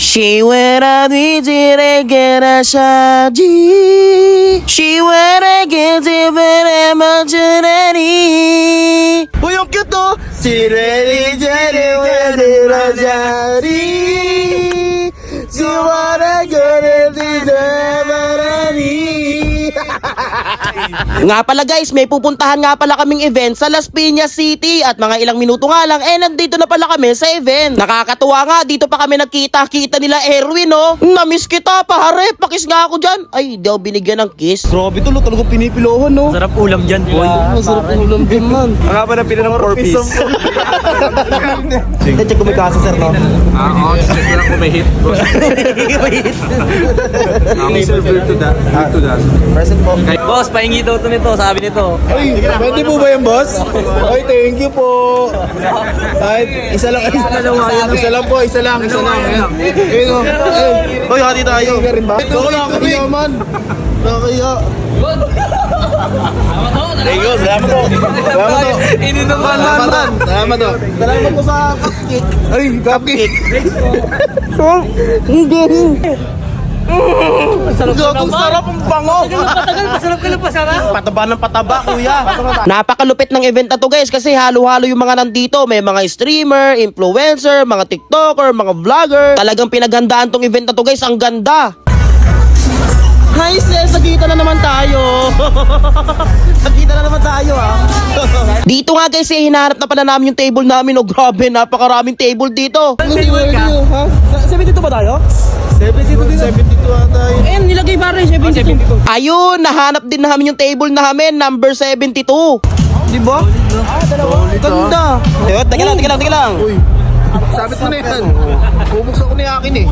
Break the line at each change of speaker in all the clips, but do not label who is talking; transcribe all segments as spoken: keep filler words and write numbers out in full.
She went out with it and get a shot. She went and get it very much ready. Uy, ang cute to! She ready, ready, ready, ready. She wanna get it, ready. Nga pala guys, may pupuntahan nga pala kaming event sa Las Piñas City at mga ilang minuto nga lang eh nandito na pala kami sa event. Nakakatuwa nga, dito pa kami nagkita-kita nila Erwin oh. Namiss kita pare, pakis nga ako dyan. Ay, di ako binigyan ng kiss. Grabe to, talagang pinipilohan no.
Sarap ulam dyan boy.
Masarap ulam din man.
Ang nga pa na pila ng four piece.
Check ko may kaso sir no.
Ah, oo, check ko lang kung may hit. May server to that. To that.
Present po.
Boss, pahingi daw ito nito, sabi nito.
Ay, pwede po ba yan, boss? Ay, thank you po. Ay, isa lang, isa lang, isa lang po, isa lang, isa lang. Ayun o.
Hoy, hati tayo.
Ka rin ba? Ito ko lang, kaya man. Nakakaya.
Thank you, salamat po.
Salamat po.
Ininom man
Salamat po. Salamat po. Salamat po sa cupcake. Ay, cupcake.
Sarap ang sarap ang bango.
Patagal, pasarap ka lang pasarap.
Pataba ng pataba, kuya. Napakalupit ng event na to guys kasi halo-halo yung mga nandito. May mga streamer, influencer, mga tiktoker, mga vlogger. Talagang pinaghandaan tong event na to guys. Ang ganda. Hi sis, nagkita na naman tayo. Nagkita na naman tayo ah. Dito nga guys, eh, hinahanap na pala namin yung table namin. Oh grabe, napakaraming table dito.
seventy-two ba tayo?
seventy-two din. seventy-two ata yun.
Ayun, nilagay ba rin seventy-two?
Ayun, nahanap din namin yung table namin, number seventy-two. Di ba?
Ah, dalawa.
Ganda. Teka, teka lang, teka lang, teka lang.
Uy, sabit mo na yan. Bubuksan ko na yung akin eh.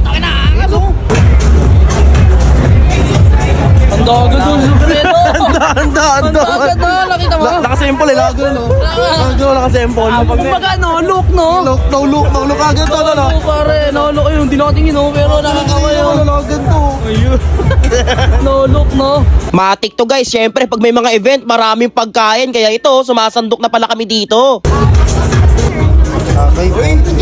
Ang dagat doon, Supredo!
Anda, anda,
Ang
anda.
dagat doon, nakita mo?
Nakasample eh, lago no? Lago, nakasample.
Kumbaga, no, look, no?
Look, no look, no look agad to, no?
Oo, pare, no-look yun, hindi nakatingin, no? Pero nakakawayo.
Agad to.
No-look, no?
Matik to guys, syempre pag may mga event, maraming pagkain. Kaya ito, sumasandok na pala kami dito.
Okay.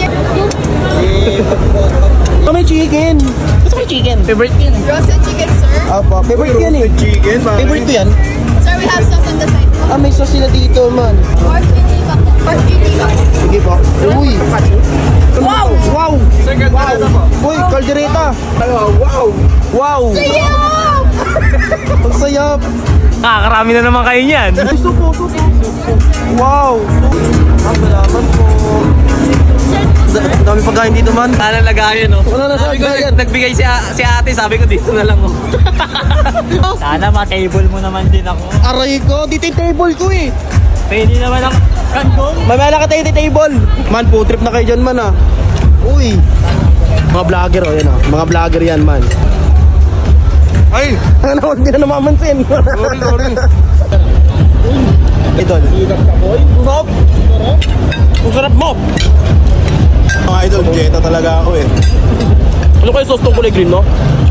Oh, may chicken. Gusto may chicken.
Favorite yun.
Roasted chicken, sir.
Apa, favorite ko yan eh.
Chicken,
Favorite ko yan.
Sir, we have sauce on the side.
Ah, may sauce sila dito man.
Pork chicken, pork chicken.
Sige po. Uy.
Wow!
Wow.
Wow.
Uy, kaldereta.
Wow.
Wow.
Sayang!
Ang sayap.
Nakakarami na naman kayo niyan.
Supo, supo. Wow. Ah, salamat po. Dami pagkain dito man.
Sana lagayan, no?
Wala na
Sabi ko,
lagayan.
nagbigay si, a- si ate, sabi ko dito na lang, oh. Sana ma-table mo naman din ako.
Aray ko, dito yung table ko eh.
Pwede naman ang kangkong.
May mala ka tayo yung table. Man, po trip na kayo dyan man ah. Uy. Mga vlogger oh, yan ah. Mga vlogger yan man.
Ay!
Ano naman, hindi na namamansin.
Sorry, sorry.
Idol. Sarap. Ang sarap mo.
Mga idol, Jetta talaga ako eh.
Ano kayo sauce tong kulay green, no?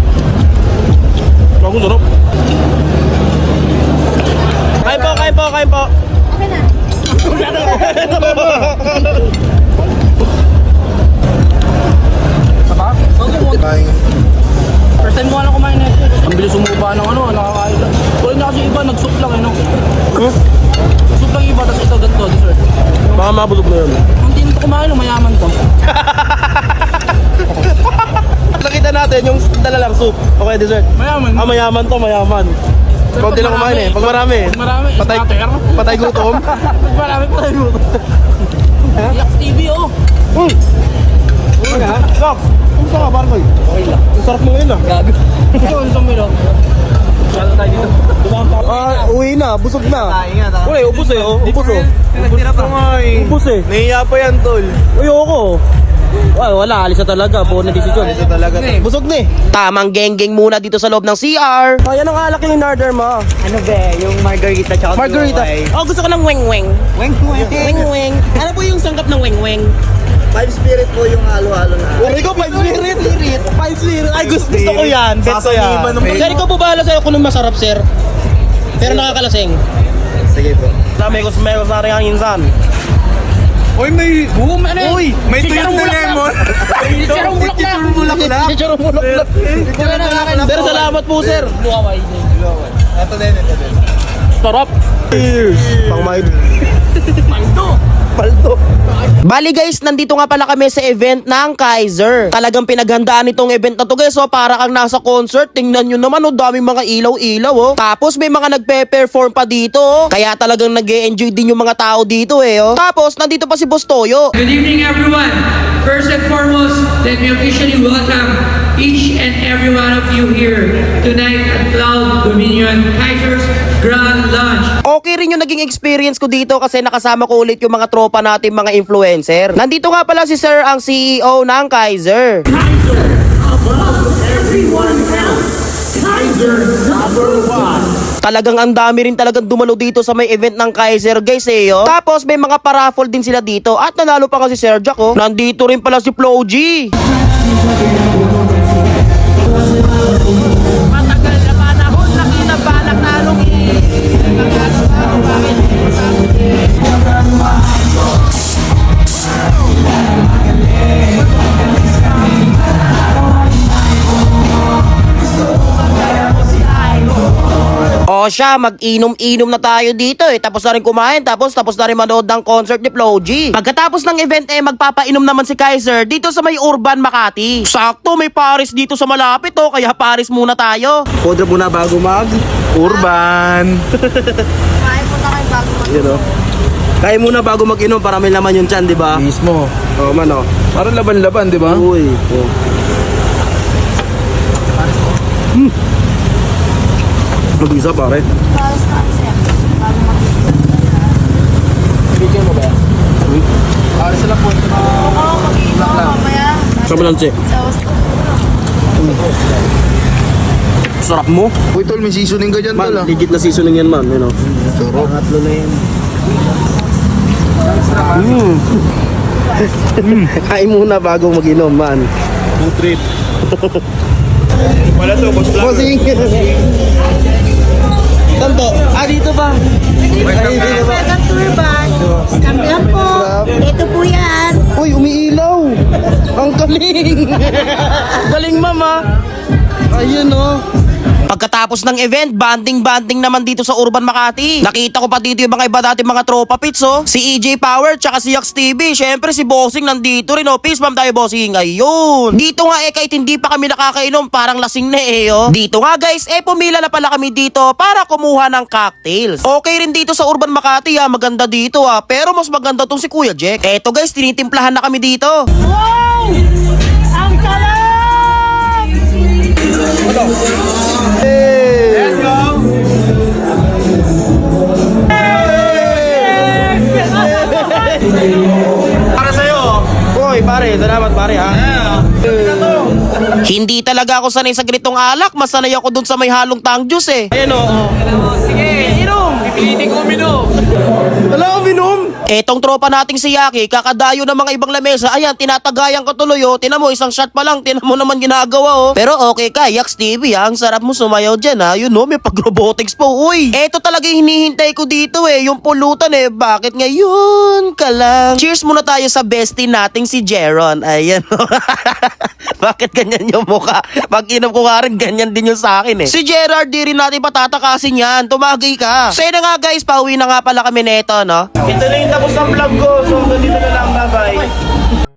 Ang sarap. Kain po, kain po, kain po.
Okay na.
Kain.
First time ko lang kumain na ito. Ang bilis sumuba ng ano, nakakain lang. Kung hindi kasi iba, nag-soup lang, eh, no?
Hmm?
Soup lang iba, tapos ito ganito, dessert.
Baka mabulog na yun.
Kung hindi nito kumain, no, mayaman to.
Nakita natin yung dala lang soup. Okay, dessert.
Mayaman.
Ah, mayaman to, mayaman. Konti lang kumain eh. Pag marami.
Pag marami,
Patay,
scatter.
patay gutom.
Pag marami, patay mo. Yak T V, oh.
Uy! Uy! Stop! Kumusta ka, Barkoy? Okay lang. Ang sarap mo ngayon ah.
Gago. Ito, ang sumilo. Kala tayo dito.
Ah, uwi na. Busog na.
Tayo nga, tayo.
Uy, ubus eh oh. Ubus oh.
Nagtira pa.
Ubus eh.
Nahiya pa yan, tol.
Uy, ako. Ay, wala. Alis na talaga. Buo na desisyon.
Ito talaga.
Busog na eh. Tamang geng-geng muna dito sa loob ng C R. Ayan ang alak yung order mo.
Ano ba, yung margarita tsaka
Margarita. Oh, gusto ko ng weng-weng.
Weng-weng.
Weng-weng. Ano po yung sangkap ng weng-weng?
Five spirit po yung halo-halo na.
Uri ko, five spirit. Five spirit. Ay, gusto, gusto ko yan. Bet ko yan.
Sasaniban ng-
Sir, ikaw po bahala sa'yo kung anong masarap, sir. Pero nakakalasing.
Sige po.
Dami ko sa meron sa rin ang insan.
Uy, may...
Oo, ano yun?
Uy, may
Si
tuyot
Charong
na
Bulaklak.
lemon.
Si Charong Bulaklak.
Chicharong bulaklak.
Chicharong bulaklak. Sir, salamat po, sir.
Ito din, ito din.
Sarap.
Cheers. Pang maid.
Paldo.
Paldo. Bali guys, nandito nga pala kami sa event ng Kaiser. Talagang pinaghandaan itong event na to guys. So para kang nasa concert. Tingnan nyo naman, oh, daming mga ilaw-ilaw. Oh. Tapos may mga nagpe-perform pa dito. Oh. Kaya talagang nag-e-enjoy din yung mga tao dito eh. Oh. Tapos nandito pa si Boss Toyo.
Good evening, everyone. First and foremost, let me officially welcome each and every one of you here tonight at Cloud Dominion Kaiser's Grand Lunch.
Okay rin yung naging experience ko dito kasi nakasama ko ulit yung mga tropa natin, mga influencer. Nandito nga pala si Sir, ang C E O ng Kaiser. Talagang ang dami rin talagang dumalo dito sa may event ng Kaiser guys eh. Oh. Tapos may mga paraffle din sila dito at nanalo pa kasi Sir Jack. Oh. Nandito rin pala si Flo G.
Matagal na panahon, nakita pa nagtalong eh. Nagano pa ako, bakit?
O siya, mag-inom-inom na tayo dito eh. Tapos na rin kumain, tapos tapos na rin manood ng concert ni Flo G. Pagkatapos ng event eh, magpapainom naman si Kaiser dito sa may Urban Makati. Sakto, may Paris dito sa malapit oh, kaya Paris muna tayo.
Podra muna bago mag... Urban.
Kumain po na kayo bago mag-
You know? Kaya muna bago mag-inom para may laman yung tiyan, di ba?
Mismo.
Oo man oh.
Parang laban-laban, di ba?
Uy. Oh. Hmm. Mag-isa pare.
Bawas na kasi. Bago mag-
Video mo ba?
Para sila po.
Oo, mag-iinom mamaya.
Sa balanse.
Tapos,
Sarap mo.
Uy, tol, may seasoning ka dyan,
Man,
tol. ah.
legit na seasoning yan man. You know?
Sarap.
Pangatlo na yan. Mm. Kain muna bago mag-inom man.
Food trip. Wala to, boss lang.
Bossing. Tanto. Ah, dito ba?
welcome to Urban. Kampihan po. Ito po yan.
Uy, umiilaw. Ang galing. Galing, mama. Ayun, oh. Pagkatapos ng event, banding-banding naman dito sa Urban Makati. Nakita ko pa dito yung mga iba dati mga tropa pits, oh. Si E J Power, tsaka si Yax T V. Syempre si Bossing nandito rin, oh. Peace bomb tayo, Bossing. Ayun. Dito nga eh, kahit hindi pa kami nakakainom, parang lasing na eh, oh. Dito nga guys, eh pumila na pala kami dito para kumuha ng cocktails. Okay rin dito sa Urban Makati, ah. Maganda dito, ah. Pero mas maganda tong si Kuya Jack. Eto guys, tinitimplahan na kami dito.
Wow! Ang sarap!
Let's go! Para sa'yo.
Hoy, pare, salamat pare ha. Hindi talaga ako sanay sa ganitong alak, mas sanay ako dun sa may halong tang juice eh. Ayun oh.
Sige, inom. Pipilitin ko uminom.
Wala ko binom. Etong tropa nating si Yaki, kakadayo ng mga ibang lamesa, ayan, tinatagayan ko tuloy oh. Tinan mo, isang shot pa lang, tinan mo naman ginagawa oh. Pero okay ka, Yax T V ha, ang sarap mo sumayaw dyan ha. Yun oh, may pag-robotics po, uy. Eto talaga yung hinihintay ko dito eh, yung pulutan eh. Bakit ngayon ka lang? Cheers muna tayo sa bestie nating si Jeron. Ayan oh. Bakit ganyan yung mukha? Pag inom ko nga rin, ganyan din yung sa akin eh. Si Gerard, di rin natin patatakasin yan. Tumagay ka. So yun na nga guys, pauwi na nga pala kami neto, no? Ito na yung tapos ng vlog ko. So, ganito na lang.